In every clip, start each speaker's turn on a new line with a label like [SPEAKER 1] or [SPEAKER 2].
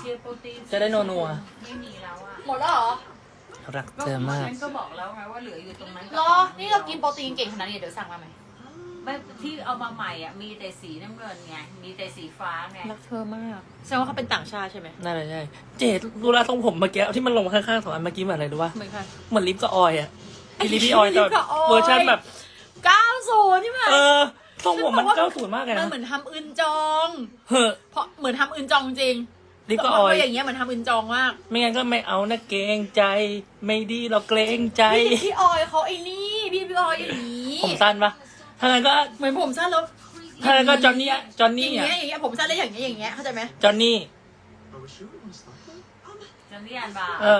[SPEAKER 1] โปรตีน
[SPEAKER 2] จะได้นัว
[SPEAKER 1] ไม่มีแล้วอ่ะ
[SPEAKER 3] หมดแล้วเหรอ
[SPEAKER 2] ๆรักเธอมาก
[SPEAKER 1] ฉันก็บอกแล้วไงว่าเหลืออยู่ตรงนั้น
[SPEAKER 3] รอ นี่เรากินโปรตีนเก่งขนาดนี้เดี๋ยวสั่งมาไหม
[SPEAKER 1] ไม่ที่เอามาใหม่อ่ะมีแต่สีน้ำเงินไงมีแต่สีฟ้าไง
[SPEAKER 3] รักเธอมากแสดงว่าเขาเป็นต่างชาติใช่ไหม
[SPEAKER 2] น่าจะใช่เจดดูแลทรงผมเมื่อกี้ที่มันลงมาข้างๆสองอันเมื่อกี้เหมือนอะไรรู้ป่ะ
[SPEAKER 3] เหมือนกัน
[SPEAKER 2] เหมือนลิปกับออยอะอีลิปพี่ออยแต่
[SPEAKER 3] ลิปกับออย
[SPEAKER 2] เวอร์ชันแบบ
[SPEAKER 3] 90นี่มั้ย
[SPEAKER 2] ทรงผมมัน90มากเลย
[SPEAKER 3] มัน
[SPEAKER 2] นะ
[SPEAKER 3] เหมือนทำอึนจอง
[SPEAKER 2] เฮ้อ
[SPEAKER 3] เพราะเหมือนทำอึนจองจริง
[SPEAKER 2] ลิปกับออย
[SPEAKER 3] เพราะอย่างเงี้ยเหมือนทำอึนจองมาก
[SPEAKER 2] ไม่งั้นก็ไม่เอานะเกรงใจ ไม่ดีเราเกรงใจ
[SPEAKER 3] พี่ออยเขาไอ้นี่พี่ออยอย่างนี้
[SPEAKER 2] ผมสั้นปะถ้างั้นก็
[SPEAKER 3] เหมือนผมสั้นแล้ว
[SPEAKER 2] ถ้างั้นก็จอนนี่อะจอน
[SPEAKER 3] อ
[SPEAKER 2] นี่
[SPEAKER 3] ย่าง
[SPEAKER 2] อะ
[SPEAKER 3] เงี้ยอย่างเงี้ยผมสั้นเลยอย่างเงี้ยอย่างเงี้ยเข้าใจไหม
[SPEAKER 2] จอนนี่
[SPEAKER 1] จะเรียนบา
[SPEAKER 2] เ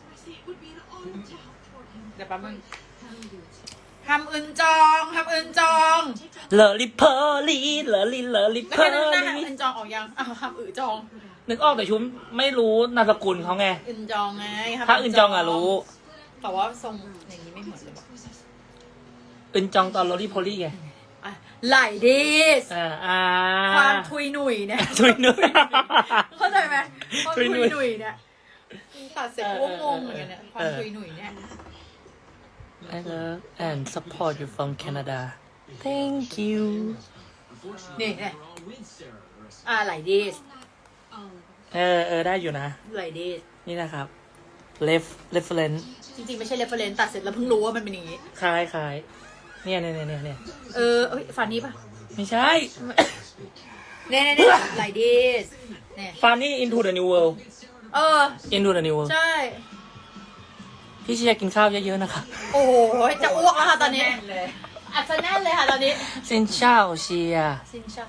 [SPEAKER 3] เดี๋ยวแป๊บนึงทำอึนจองทำอึนจอง
[SPEAKER 2] เลอลิเพอร์ลีเลอลิเพ
[SPEAKER 3] แล้ว
[SPEAKER 2] อ
[SPEAKER 3] แค่นั้น
[SPEAKER 2] ร์
[SPEAKER 3] นะ
[SPEAKER 2] ลี
[SPEAKER 3] ทำอึนจองออกยังอ้าวทำอึจอง
[SPEAKER 2] นึกออกแต่ชุมไม่รู้นามสกุลเขาไง
[SPEAKER 3] อึนจองไงทำ
[SPEAKER 2] ถ้าอึนจองอะรู้
[SPEAKER 3] แต่ว่าทรงอย่างนี้ไม่เหมือนเลยว่ะ
[SPEAKER 2] อึนจองตอนโรลี่โพลี่ไง
[SPEAKER 3] อ่ะไหลดิส
[SPEAKER 2] อ่า
[SPEAKER 3] ความทุยหนุ่ยเนี่ย
[SPEAKER 2] ทุยหนุ่ย
[SPEAKER 3] เข้าใจไหมความ
[SPEAKER 2] ทุ
[SPEAKER 3] ทุ
[SPEAKER 2] ย
[SPEAKER 3] ย
[SPEAKER 2] หนุ่ย
[SPEAKER 3] หนุ่ยเนี่ยตัดเสร็จกูก็งงเหมือนกันเนี่ยความทุยหนุ่ยเนี่ย
[SPEAKER 2] I love and support you from Canada Thank you
[SPEAKER 3] นี่เนี่ยไหลดิส
[SPEAKER 2] ได้อยู่นะ
[SPEAKER 3] ไหลดิส
[SPEAKER 2] นี่นะครับ reference
[SPEAKER 3] จริงๆไม่ใช่เรฟเฟรนซ์ตัดเสร็จแล้วเพิ่งรู้ว่ามันเป็นอย่างนี้
[SPEAKER 2] คล้ายเนี่ย
[SPEAKER 3] เอ้ยฟันนี้ปะ
[SPEAKER 2] ไม่ใช่
[SPEAKER 3] เนี่ยไหลดิสเนี่ย
[SPEAKER 2] Funny into the new world into the new world
[SPEAKER 3] ใช่
[SPEAKER 2] พี่เชียร์กินข้าวเยอะๆนะคะ
[SPEAKER 3] โอ้โหจะอ้วกแล้วค่ะตอนนี้
[SPEAKER 1] แน่นเลย
[SPEAKER 3] อัดซะแน่นเลยค่ะตอนนี้
[SPEAKER 2] ซินเช่าเชียร์
[SPEAKER 3] ซินช่า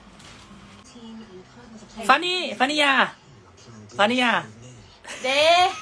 [SPEAKER 2] Funny ยา
[SPEAKER 3] เด